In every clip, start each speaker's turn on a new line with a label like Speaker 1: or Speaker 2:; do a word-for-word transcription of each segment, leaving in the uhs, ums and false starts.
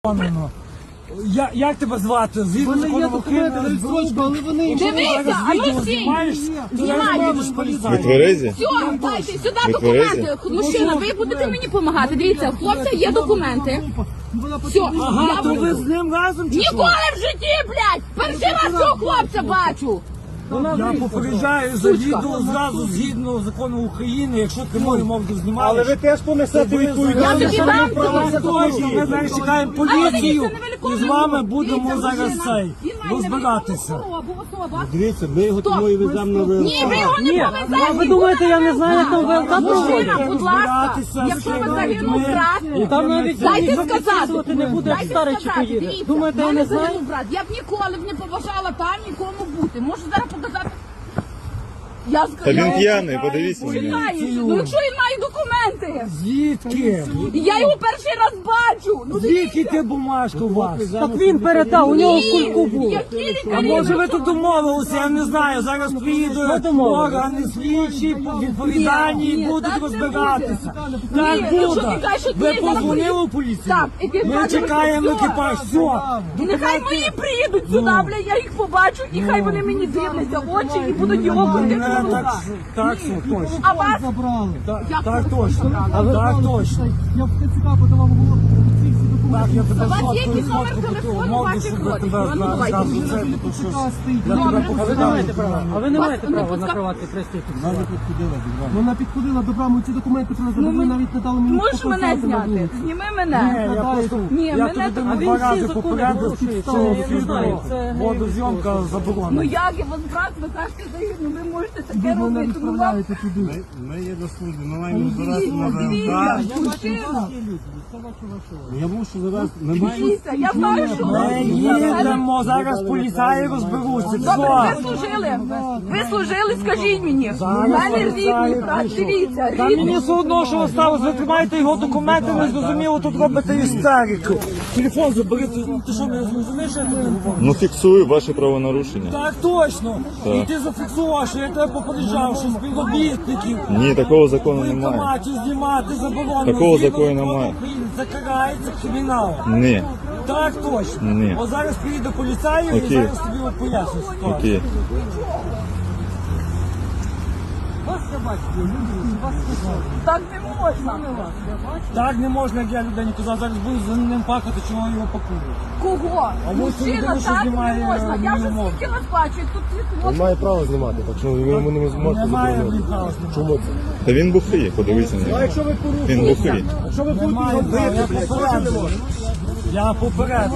Speaker 1: Я, як тебе звати? Згідно закону України, але вони...
Speaker 2: Дивіться, а ну всі!
Speaker 3: Ви тверезі?
Speaker 2: Все, дайте сюди документи. Мужчина, ви будете мені допомагати. Дивіться, у хлопця є документи. Все,
Speaker 1: Ага,
Speaker 2: я
Speaker 1: то ви
Speaker 2: буду.
Speaker 1: з ним разом чи що?
Speaker 2: Ніколи в житті, блядь! Перший раз цього хлопця бачу.
Speaker 1: Я попереджаю за відео зразу згідно закону України, якщо ти мою мову знімаєш.
Speaker 4: Але ви теж понесете
Speaker 2: Я
Speaker 4: відповідальність.
Speaker 2: тобі дам
Speaker 1: Точно, ми зараз чекаємо поліцію і з вами будемо зараз цей розбиратися.
Speaker 4: Дивіться, ми його тому і веземо на ВЛК.
Speaker 2: Ні, ви його не повезете.
Speaker 5: Ви думаєте, я не знаю, як там ВЛК проводять?
Speaker 2: Мужчина, будь ласка, якщо ви загинув брат,
Speaker 5: Там навіть
Speaker 2: дайте
Speaker 5: записувати
Speaker 2: сказати.
Speaker 5: не буде, як
Speaker 2: Дайте
Speaker 5: старий чи
Speaker 2: сказати.
Speaker 5: поїде.
Speaker 2: Дивіться,
Speaker 5: Думаєте, я
Speaker 2: в мене
Speaker 5: не знаю?
Speaker 2: загинув брат. Я б ніколи б не поважала там нікому бути. Можу зараз показати. Я
Speaker 3: Та він
Speaker 2: я-
Speaker 3: п'яний, подивіться на нього.
Speaker 2: Чекаю. Ну якщо він має документи,
Speaker 1: Звідки?
Speaker 2: я його перший раз бачу. Ну
Speaker 1: Звідки ти бумажку у вас?
Speaker 5: Так він передав, у нього в
Speaker 2: ні,
Speaker 5: кульку був.
Speaker 2: які лікарі?
Speaker 1: А може ви тут домовилися, я не знаю, зараз приїдуть
Speaker 5: домовилися?
Speaker 1: органи слідчі, відповідальні
Speaker 2: Ні,
Speaker 1: і
Speaker 2: ні,
Speaker 1: будуть
Speaker 2: так не
Speaker 1: розбиратися.
Speaker 2: Ні,
Speaker 1: Так
Speaker 2: якщо
Speaker 1: буде.
Speaker 2: ти кажеш, що
Speaker 1: Ви
Speaker 2: ні, зараз
Speaker 1: позвонили у поліцію?
Speaker 2: Так, екіпаж
Speaker 1: Ми чекаємо
Speaker 2: все.
Speaker 1: екіпаж, все.
Speaker 2: І нехай мої приїдуть сюди, бля, я їх побачу, і хай вони мені дивляться в очі і будуть його ходити на
Speaker 1: Так,
Speaker 2: руках.
Speaker 1: так, все, точно.
Speaker 2: А вас?
Speaker 1: Так,
Speaker 2: Як
Speaker 1: так
Speaker 2: ви
Speaker 1: точно.
Speaker 2: забрали?
Speaker 1: Так точно.
Speaker 4: Я в ТЦК подавав голову.
Speaker 1: Так, я тебе
Speaker 2: У вас
Speaker 1: згодом
Speaker 2: є якийсь номер
Speaker 1: згодом
Speaker 2: телефону
Speaker 1: мовлю,
Speaker 2: ваших
Speaker 1: щоб я
Speaker 2: родичів?
Speaker 1: тебе
Speaker 2: А ну, давайте.
Speaker 1: зразу це, тому що я
Speaker 2: Добре.
Speaker 1: тебе
Speaker 5: А ви не маєте
Speaker 1: показав.
Speaker 5: права. А ви не
Speaker 2: Вас
Speaker 5: маєте
Speaker 2: не
Speaker 5: права
Speaker 2: пускав-
Speaker 5: накривати пристрій.
Speaker 4: Вона підходила до брами, ці документи привезли, ви навіть не дали мені
Speaker 2: Можеш мене
Speaker 4: показати на
Speaker 2: зняти?
Speaker 4: вулиці.
Speaker 2: Зніми
Speaker 1: Ні,
Speaker 2: мене.
Speaker 1: я просто,
Speaker 2: Ні,
Speaker 1: я
Speaker 2: мене
Speaker 1: тобі
Speaker 2: так-
Speaker 5: А
Speaker 1: два
Speaker 5: він всі
Speaker 1: рази
Speaker 5: закони
Speaker 1: попередив,
Speaker 5: порушує,
Speaker 1: що
Speaker 5: це я не знаю, це-
Speaker 1: водозйомка
Speaker 2: Ну
Speaker 1: заборонена.
Speaker 2: як я вас брат, ви кажете загину, ви можете таке
Speaker 4: Ви мене
Speaker 2: робити. Ну вам
Speaker 4: відправляєте туди.
Speaker 6: Ми є до служби, ми маємо збирати на
Speaker 2: дивіться,
Speaker 6: ВЛК.
Speaker 2: мужчина.
Speaker 6: Я мушу завести. Ми маємо
Speaker 2: Дивіться, я знаю, що
Speaker 1: Ми їдемо, зараз поліцаї розберуться.
Speaker 2: Добре,
Speaker 1: Все.
Speaker 2: ви служили. Ви служили, скажіть мені. У
Speaker 1: Зараз
Speaker 2: мене
Speaker 1: поліцаї
Speaker 2: рідний брат,
Speaker 1: прийшов.
Speaker 2: дивіться,
Speaker 1: Та мені
Speaker 2: рідний.
Speaker 1: все одно, що осталось, ви тримаєте його документи, не зрозуміло, тут робите істерику. Телефон забери, ти, ти що, не зрозумієш, що я телефон?
Speaker 3: Ну фіксую ваші правонарушення.
Speaker 1: Так точно.
Speaker 3: Так.
Speaker 1: І ти зафіксував, що я тебе попереджав, що співробітників
Speaker 3: Ні, такого закону
Speaker 1: в
Speaker 3: немає.
Speaker 1: воєнкоматі знімати заборонено.
Speaker 3: Такого
Speaker 1: Згідно
Speaker 3: закону
Speaker 1: закону
Speaker 3: немає.
Speaker 1: України Це карається криміналом.
Speaker 3: Ні.
Speaker 1: Так точно.
Speaker 3: Ні.
Speaker 1: От зараз приїде поліцаї і
Speaker 3: Окей.
Speaker 1: зараз тобі от поясню ситуацію.
Speaker 3: Окей.
Speaker 2: Так не можна.
Speaker 1: Так не можна, як я людині казав, зараз буду за ним пахати, чого його пакують.
Speaker 2: Кого?
Speaker 1: А ось
Speaker 2: Мужчина,
Speaker 1: людина, що
Speaker 2: так не
Speaker 1: знімає,
Speaker 2: можна. Я вже
Speaker 1: мою мову.
Speaker 2: скільки вас бачу, і тут
Speaker 4: Він
Speaker 2: світло.
Speaker 4: має право знімати, так що ви йому не зможете
Speaker 1: Немає
Speaker 4: заборонити.
Speaker 1: права знімати.
Speaker 4: Чому це?
Speaker 3: Та він бухий, подивіться на нього.
Speaker 4: Якщо ви порушите,
Speaker 3: Він бухий.
Speaker 4: якщо ви
Speaker 1: Немає
Speaker 4: будете
Speaker 1: права, я
Speaker 4: бити,
Speaker 1: попередив. Я попередив.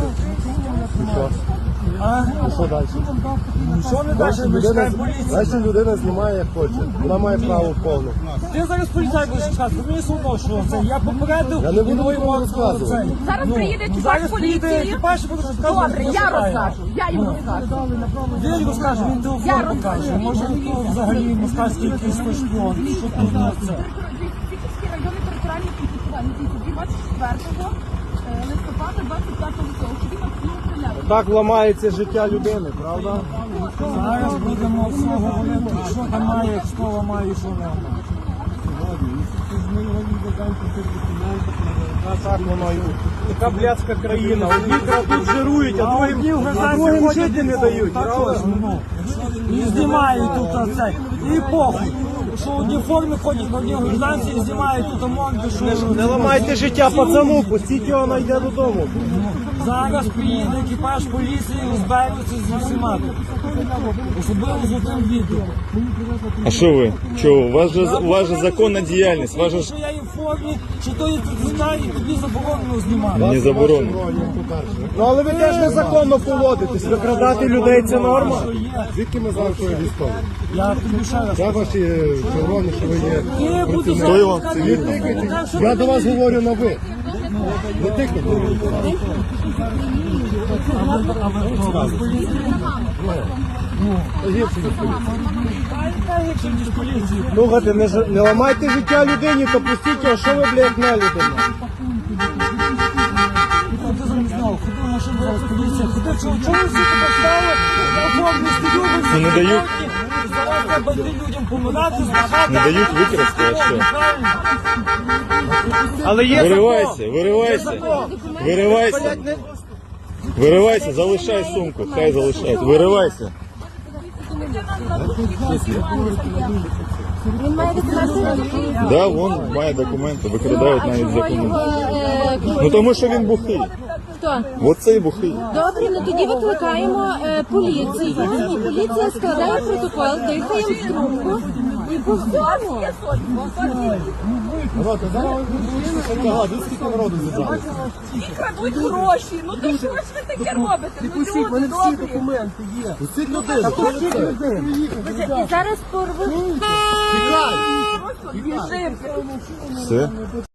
Speaker 1: А?
Speaker 4: що далі?
Speaker 1: Ну, що не далі, ми
Speaker 4: Людина,
Speaker 1: чекаємо поліцію.
Speaker 4: далі людина знімає як хоче. Вона має право повне.
Speaker 1: Ти зараз поліцай будеш чекати, мені все одно, що це. Я попередив.
Speaker 4: Я не буду
Speaker 1: і двоє
Speaker 4: нікому
Speaker 1: можуть
Speaker 4: розказувати.
Speaker 1: це.
Speaker 2: Зараз
Speaker 1: Ну,
Speaker 2: приїде
Speaker 1: ну,
Speaker 2: екіпаж
Speaker 1: зараз приїде
Speaker 2: поліції.
Speaker 1: екіпаж і буде розказувати,
Speaker 2: Добре,
Speaker 1: що
Speaker 2: я
Speaker 1: шукає.
Speaker 2: розкажу. Я йому розкажу.
Speaker 1: Він розкаже, він
Speaker 2: Я
Speaker 1: телефон
Speaker 2: розкажу.
Speaker 1: покаже. Може, то взагалі москальський якийсь той шпіон. Що тут на це?
Speaker 2: Тільки районний територіальний підписання двадцять четвертого листопада двадцять п'ятого року. Тоді Максимов стріляв.
Speaker 4: Так ламається життя людини, правда?
Speaker 1: Зараз будемо все говорити, що там має, що ламає, що не ламає.
Speaker 4: Так воно і така блядська країна. Одні тут жирують, а
Speaker 1: А
Speaker 4: другим,
Speaker 1: одні в
Speaker 4: а
Speaker 1: газеті
Speaker 4: другим
Speaker 1: ходять,
Speaker 4: жити не дають.
Speaker 1: Так
Speaker 4: правда?
Speaker 1: точно, ну. І знімають тут оце. І похуй. Що одні в формі ходять, одні в гражданці і знімають тут морди, що...
Speaker 4: Не ламайте життя пацану, пустіть його, найде додому.
Speaker 1: Зараз приїде екіпаж поліції, розберуться з усіма. Особливо з цим відео.
Speaker 3: А що ви? Чого? У вас же, у вас же законна діяльність, у вас же ж
Speaker 1: Що я є в формі, що то є знаю, і тобі заборонено знімати.
Speaker 3: не заборонено.
Speaker 4: Ну але ви теж незаконно поводитесь. Викрадати людей це норма.
Speaker 1: Що є.
Speaker 4: Звідки ми знаємо, що ви військові?
Speaker 1: Я тобі ще раз.
Speaker 4: Я ваші червоні, що ви є.
Speaker 1: Ти буду
Speaker 3: Хто його?
Speaker 1: зараз.
Speaker 4: Я до вас говорю на ви. Не тикайте. Слухайте, не, ж- не ламайте життя людині, то пустіть його, що ви, блядь, на людину.
Speaker 1: Ти замість нього ходив, машину зараз поліція, ходив, чого чого ви всі тебе стали? Я формі стою, ви всі
Speaker 3: Ну, не дають.
Speaker 1: сьогодні, зараз треба йти людям помирати, збагати.
Speaker 3: Не дають викрасти, а що?
Speaker 1: Правильно.
Speaker 4: Але є
Speaker 3: Виривайся, виривайся, виривайся. Виривайся, залишай сумку, хай залишають. Виривайся.
Speaker 2: Він має документи.
Speaker 3: Да, вон має документи, викрадають навіть закони.
Speaker 2: Е,
Speaker 3: Ну тому що він бухий.
Speaker 2: Хто?
Speaker 3: Оцей бухий.
Speaker 2: Добре, ну тоді викликаємо е, поліцію, і поліція складає протокол, дихаємо в трубку, і по всьому.
Speaker 7: Крадуть гроші, ну то що ж ви таке робите? Ну люди добрі.
Speaker 2: І зараз порву.
Speaker 7: Біжимо.
Speaker 3: Все.